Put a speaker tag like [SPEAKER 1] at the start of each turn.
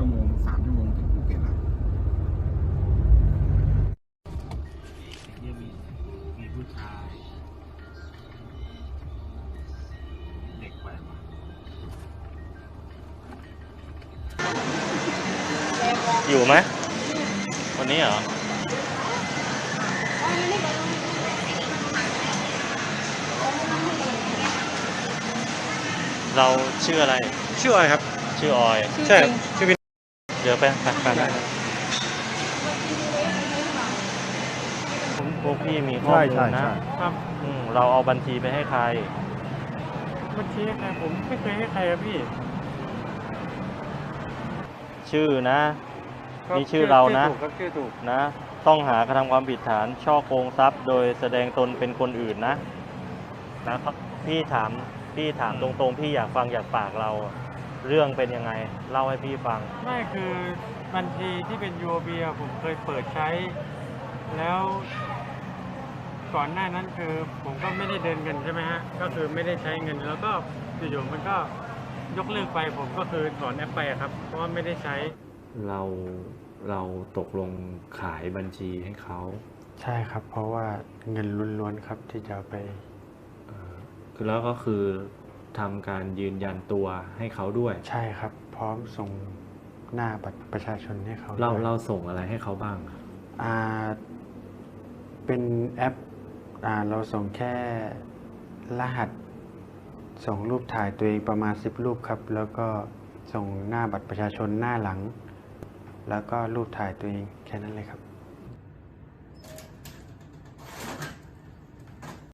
[SPEAKER 1] โมง3 ชั่วโมงถึงภูเก็ตแล้ว
[SPEAKER 2] ยังมีผู้ชายเด็กแว้น
[SPEAKER 3] อยู่ไหมวันนี้เหรอเราชื่ออะไร
[SPEAKER 2] ชื่ออะไรครับ
[SPEAKER 3] ชื่อออย
[SPEAKER 2] ใช่ครับชื่อวิน
[SPEAKER 3] เดี๋ยวไปพวกพี่มีข้อมูลนะครับเราเอาบัญชีไปให้ใคร
[SPEAKER 2] บัญชีให้ใครผมไม่เคยให้ใครครับพี่
[SPEAKER 3] ชื่อนะนี่ชื่อเรานะ
[SPEAKER 2] ชื่อถูก
[SPEAKER 3] นะต้องหากระทำความผิดฐานฉ้อโกงทรัพย์โดยแสดงตนเป็นคนอื่นนะครับพี่ถามตรงๆพี่อยากฟังจากปากเราเรื่องเป็นยังไงเล่าให้พี่ฟัง
[SPEAKER 2] ไม่คือบัญชีที่เป็น UOB ผมเคยเปิดใช้แล้วก่อนหน้านั้นคือผมก็ไม่ได้เดินเงินใช่ไหมฮะก็คือไม่ได้ใช้เงินแล้วก็อยู่ๆมันก็ยกเลิกไปผมก็คือถอนแอปไปครับเพราะว่าไม่ได้ใช้
[SPEAKER 4] เราตกลงขายบัญชีให้เขา
[SPEAKER 5] ใช่ครับเพราะว่าเงินล้วนๆครับที่จะไป
[SPEAKER 4] คือแล้วก็คือทำการยืนยันตัวให้เขาด้วย
[SPEAKER 5] ใช่ครับพร้อมส่งหน้าบัตรประชาชนให้เขา
[SPEAKER 4] เราส่งอะไรให้เขาบ้าง
[SPEAKER 5] เป็นแอปเราส่งแค่รหัสส่งรูปถ่ายตัวเองประมาณ10 รูปครับแล้วก็ส่งหน้าบัตรประชาชนหน้าหลังแล้วก็รูปถ่ายตัวเองแค่นั้นเลยครับ